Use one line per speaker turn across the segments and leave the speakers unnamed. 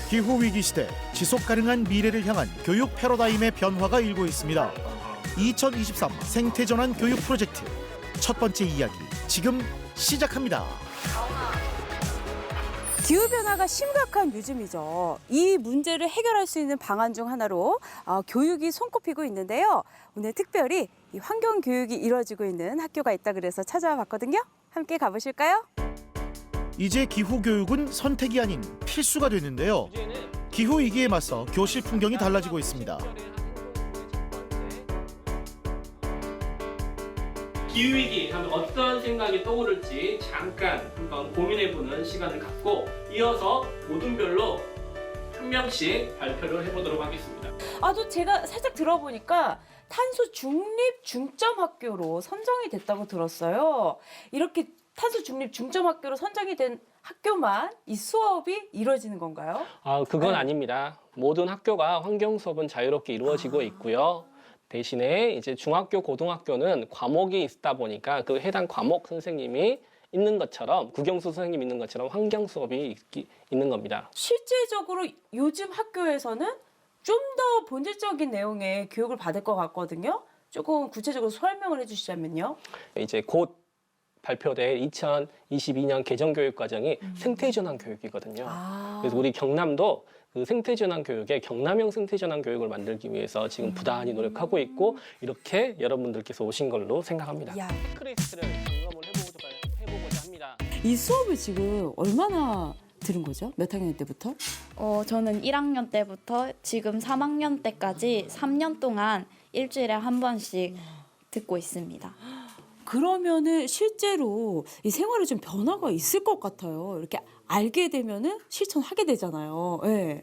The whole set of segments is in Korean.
기후 위기 시대 지속 가능한 미래를 향한 교육 패러다임의 변화가 일고 있습니다. 2023 생태 전환 교육 프로젝트 첫 번째 이야기 지금 시작합니다.
기후변화가 심각한 요즘이죠. 이 문제를 해결할 수 있는 방안 중 하나로 교육이 손꼽히고 있는데요. 오늘 특별히 이 환경교육이 이루어지고 있는 학교가 있다 그래서 찾아와 봤거든요. 함께 가보실까요?
이제 기후 교육은 선택이 아닌 필수가 됐는데요. 기후 위기에 맞서 교실 풍경이 달라지고 있습니다.
기후위기 하면 어떤 생각이 떠오를지 잠깐 한번 고민해보는 시간을 갖고 이어서 모둠별로 한 명씩 발표를 해보도록 하겠습니다.
또 제가 살짝 들어보니까 탄소 중립 중점 학교로 선정이 됐다고 들었어요. 이렇게 탄소 중립 중점 학교로 선정이 된 학교만 이 수업이 이루어지는 건가요?
그건
네.
아닙니다. 모든 학교가 환경 수업은 자유롭게 이루어지고 있고요. 대신에 이제 중학교, 고등학교는 과목이 있다 보니까 그 해당 과목 선생님이 있는 것처럼 국영수 선생님이 있는 것처럼 환경 수업이 있는 겁니다.
실제적으로 요즘 학교에서는 좀 더 본질적인 내용의 교육을 받을 것 같거든요. 조금 구체적으로 설명을 해주시자면요.
이제 곧 발표될 2022년 개정교육과정이 생태전환 교육이거든요. 그래서 우리 경남도 그 생태전환 교육에 경남형 생태전환 교육을 만들기 위해서 지금 부단히 노력하고 있고 이렇게 여러분들께서 오신 걸로 생각합니다. 체크리스트를 점검을 해보고자 합니다.
이 수업을 지금 얼마나 들은 거죠? 몇 학년 때부터?
저는 1학년 때부터 지금 3학년 때까지 3년 동안 일주일에 한 번씩 듣고 있습니다.
그러면은 실제로 이 생활에 좀 변화가 있을 것 같아요. 이렇게 알게 되면은 실천하게 되잖아요. 네.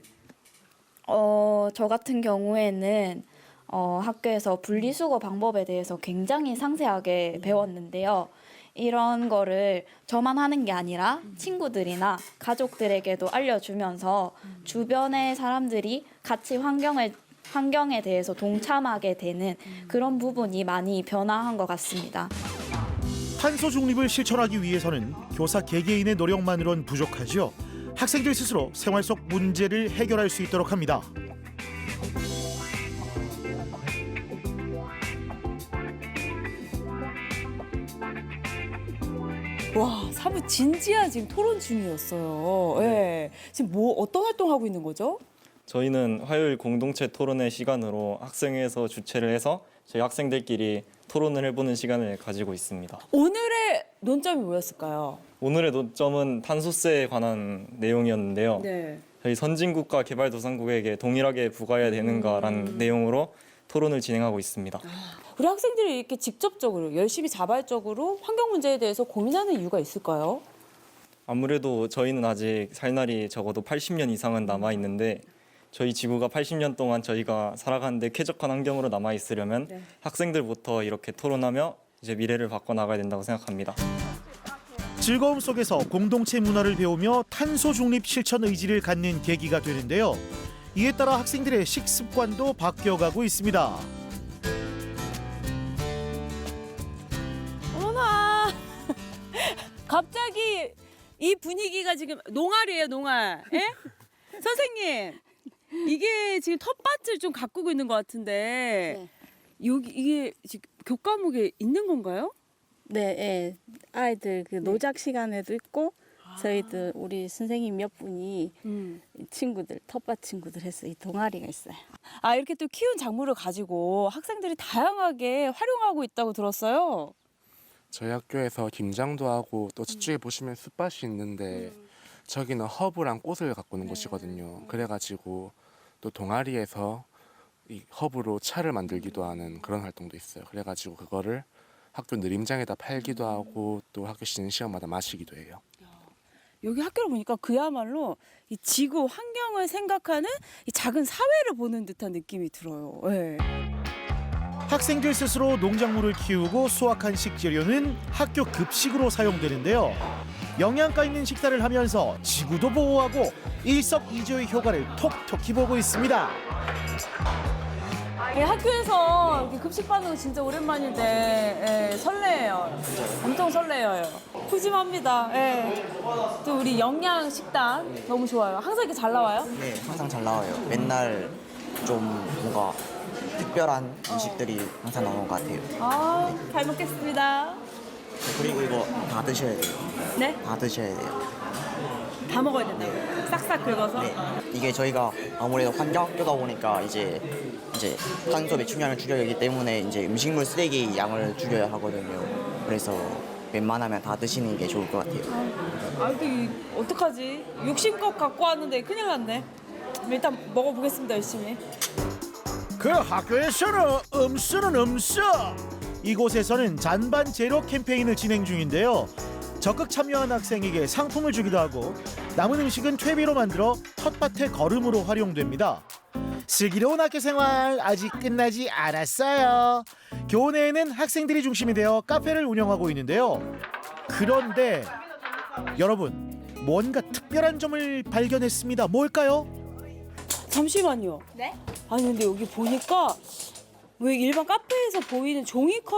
저 같은 경우에는 학교에서 분리수거 방법에 대해서 굉장히 상세하게 배웠는데요. 이런 거를 저만 하는 게 아니라 친구들이나 가족들에게도 알려주면서 주변의 사람들이 같이 환경에 대해서 동참하게 되는 그런 부분이 많이 변화한 것 같습니다.
탄소 중립을 실천하기 위해서는 교사 개개인의 노력만으론 부족하지요. 학생들 스스로 생활 속 문제를 해결할 수 있도록 합니다.
와, 사뭇 진지한 지금 토론 중이었어요. 네. 지금 어떤 활동하고 있는 거죠?
저희는 화요일 공동체 토론회 시간으로 학생회에서 주최를 해서 저희 학생들끼리 토론을 해보는 시간을 가지고 있습니다.
오늘의 논점이 뭐였을까요?
오늘의 논점은 탄소세에 관한 내용이었는데요.
네.
저희 선진국과 개발도상국에게 동일하게 부과해야 되는가라는 내용으로 토론을 진행하고 있습니다.
우리 학생들이 이렇게 직접적으로 열심히 자발적으로 환경 문제에 대해서 고민하는 이유가 있을까요?
아무래도 저희는 아직 살 날이 적어도 80년 이상은 남아있는데 저희 지구가 80년 동안 저희가 살아가는데 쾌적한 환경으로 남아있으려면 학생들부터 이렇게 토론하며 이제 미래를 바꿔나가야 된다고 생각합니다.
즐거움 속에서 공동체 문화를 배우며 탄소 중립 실천 의지를 갖는 계기가 되는데요. 이에 따라 학생들의 식습관도 바뀌어가고 있습니다.
어머나! 갑자기 이 분위기가 지금 농알이에요, 농알. 예? 선생님, 이게 지금 텃밭을 좀 가꾸고 있는 것 같은데 이게 지금 교과목에 있는 건가요?
네, 예. 아이들 그 노작 시간에도 있고 저희들 우리 선생님 몇 분이 친구들 텃밭 친구들 해서 이 동아리가 있어요.
이렇게 또 키운 작물을 가지고 학생들이 다양하게 활용하고 있다고 들었어요.
저희 학교에서 김장도 하고 또 저쪽에 보시면 숯밭이 있는데 저기는 허브랑 꽃을 가꾸는 곳이거든요. 그래가지고 또 동아리에서 이 허브로 차를 만들기도 하는 그런 활동도 있어요. 그래가지고 그거를 학교 느림장에다 팔기도 하고 또 학교 쉬는 시간마다 마시기도 해요.
여기 학교를 보니까 그야말로 이 지구 환경을 생각하는 이 작은 사회를 보는 듯한 느낌이 들어요. 네.
학생들 스스로 농작물을 키우고 수확한 식재료는 학교 급식으로 사용되는데요. 영양가 있는 식사를 하면서 지구도 보호하고 일석이조의 효과를 톡톡히 보고 있습니다.
예, 학교에서 이렇게 급식 받는 거 진짜 오랜만인데 예, 설레요. 엄청 설레요. 푸짐합니다. 예. 또 우리 영양 식단 너무 좋아요. 항상 이렇게 잘 나와요?
네, 항상 잘 나와요. 맨날 좀 뭔가 특별한 음식들이 항상 나오는 것 같아요.
아, 잘 먹겠습니다.
그리고 이거 다 드셔야 돼요.
네?
다 드셔야 돼요.
다 먹어야 된다고. 싹싹 긁어서.
네. 이게 저희가 아무래도 환경학교다 보니까 이제 탄소 배출량을 줄여야 하기 때문에 이제 음식물 쓰레기 양을 줄여야 하거든요. 그래서 웬만하면 다 드시는 게 좋을 것 같아요.
아, 근데 어떡하지? 욕심껏 갖고 왔는데 큰일 났네. 일단 먹어보겠습니다, 열심히.
그 학교에서는 음수는 음수. 이곳에서는 잔반 제로 캠페인을 진행 중인데요. 적극 참여한 학생에게 상품을 주기도 하고 남은 음식은 퇴비로 만들어 텃밭의 거름으로 활용됩니다. 슬기로운 학교 생활 아직 끝나지 않았어요. 교내에는 학생들이 중심이 되어 카페를 운영하고 있는데요. 그런데 여러분, 뭔가 특별한 점을 발견했습니다. 뭘까요?
잠시만요.
네?
아니 근데 여기 보니까 왜 일반 카페에서 보이는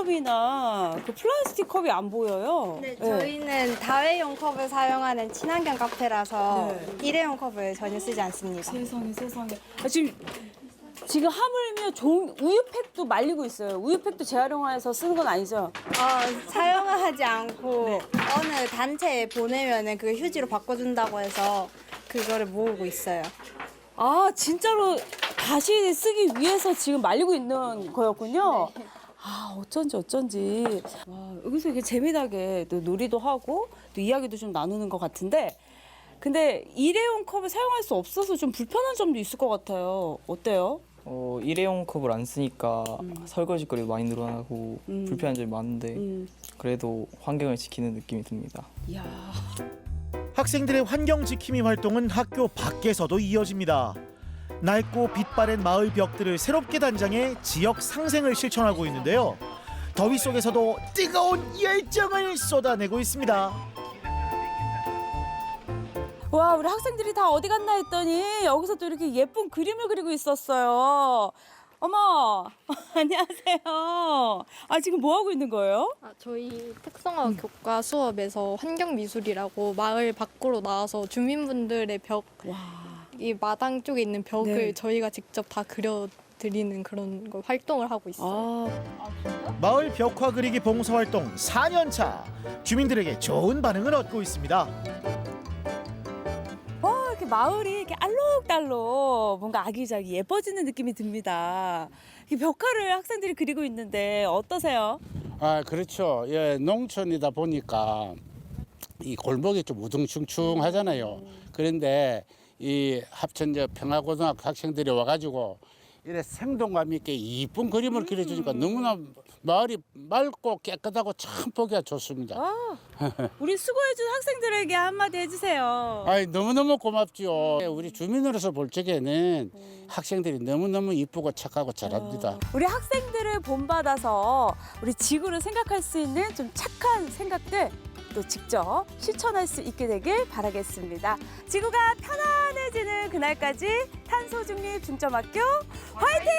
종이컵이나 그 플라스틱 컵이 안 보여요?
네, 저희는 다회용 컵을 사용하는 친환경 카페라서
네.
일회용 컵을 전혀 쓰지 않습니다.
세상에. 아, 지금 하물며 우유팩도 말리고 있어요. 우유팩도 재활용해서 쓰는 건 아니죠?
사용하지 않고
네.
어느 단체에 보내면은 그 휴지로 바꿔준다고 해서 그거를 모으고 있어요.
아, 진짜로 다시 쓰기 위해서 지금 말리고 있는 거였군요.
네.
아, 어쩐지. 와, 여기서 이렇게 재미나게 또 놀이도 하고 또 이야기도 좀 나누는 것 같은데, 근데 일회용 컵을 사용할 수 없어서 좀 불편한 점도 있을 것 같아요. 어때요?
일회용 컵을 안 쓰니까 설거지거리도 많이 늘어나고 불편한 점이 많은데 그래도 환경을 지키는 느낌이 듭니다.
이야.
학생들의 환경 지킴이 활동은 학교 밖에서도 이어집니다. 낡고 빛바랜 마을 벽들을 새롭게 단장해 지역 상생을 실천하고 있는데요. 더위 속에서도 뜨거운 열정을 쏟아내고 있습니다.
와, 우리 학생들이 다 어디 갔나 했더니 여기서 또 이렇게 예쁜 그림을 그리고 있었어요. 어머, 안녕하세요. 아, 지금 뭐 하고 있는 거예요?
저희 특성화 교과 수업에서 환경미술이라고 마을 밖으로 나와서 주민분들의 벽, 이 마당 쪽에 있는 벽을
네.
저희가 직접 다 그려드리는 그런 걸 활동을 하고 있어요.
마을 벽화 그리기 봉사활동 4년 차. 주민들에게 좋은 반응을 얻고 있습니다.
이렇게 마을이 이렇게 알록달록 뭔가 아기자기 예뻐지는 느낌이 듭니다. 이 벽화를 학생들이 그리고 있는데 어떠세요?
아, 그렇죠. 예, 농촌이다 보니까 이 골목이 좀 우중충충하잖아요. 그런데 이 합천저 평화고등학교 학생들이 와가지고 이래 생동감 있게 이쁜 그림을 그려주니까 너무나 마을이 맑고 깨끗하고 참 보기가 좋습니다.
우리 수고해준 학생들에게 한마디 해주세요.
아이, 너무너무 고맙죠. 우리 주민으로서 볼 적에는 학생들이 너무너무 이쁘고 착하고 잘합니다.
우리 학생들을 본받아서 우리 지구를 생각할 수 있는 좀 착한 생각들 또 직접 실천할 수 있게 되길 바라겠습니다. 지구가 편안해지는 그날까지 탄소중립 중점학교 화이팅!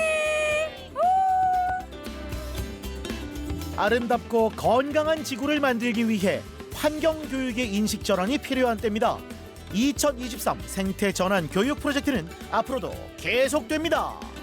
아름답고 건강한 지구를 만들기 위해 환경교육의 인식 전환이 필요한 때입니다. 2023 생태 전환 교육 프로젝트는 앞으로도 계속됩니다.